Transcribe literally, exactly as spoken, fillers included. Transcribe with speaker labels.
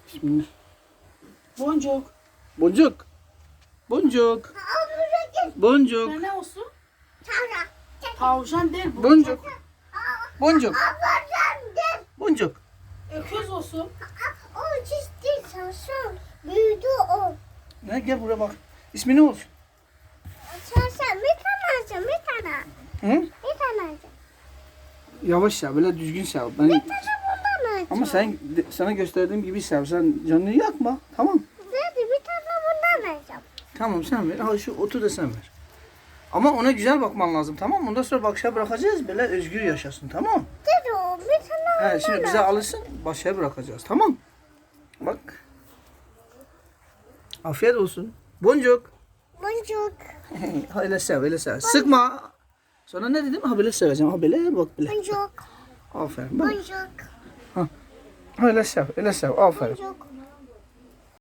Speaker 1: Bismillah.
Speaker 2: Boncuk.
Speaker 1: Boncuk. Boncuk. Boncuk.
Speaker 2: Ne, ne olsun? Tavşan değil.
Speaker 1: Boncuk. Boncuk. Boncuk.
Speaker 2: Öküz olsun.
Speaker 3: O çizdi sarsın. Büyüdü o.
Speaker 1: Ne gel buraya bak. İsmi ne olsun?
Speaker 3: Sarsın bir tane alacağım bir tane.
Speaker 1: Hı?
Speaker 3: Bir tane alacağım.
Speaker 1: Yavaş sev, böyle düzgün sev. Ben...
Speaker 3: Bir tane bundan alacağım.
Speaker 1: Ama sen de- sana gösterdiğim gibi sev. Sen canını yakma. Tamam.
Speaker 3: Dedi bir tane bundan alacağım.
Speaker 1: Tamam sen ver. Al şu otu da sen ver. Ama ona güzel bakman lazım, tamam mı? Ondan sonra bakışa bırakacağız. Böyle özgür yaşasın, tamam mı?
Speaker 3: Dedi o bir tane
Speaker 1: He, şimdi bize alışsın. Başa bırakacağız, tamam. Bak. Afiyet olsun. Boncuk.
Speaker 3: boncuk.
Speaker 1: Öyle sev, öyle sev. Sıkma. Sonra ne dedim? Ha böyle seveceğim. Ha böyle bak böyle.
Speaker 3: Boncuk.
Speaker 1: Aferin. Bak.
Speaker 3: Boncuk.
Speaker 1: Öyle sev, öyle sev. Aferin.
Speaker 3: Boncuk.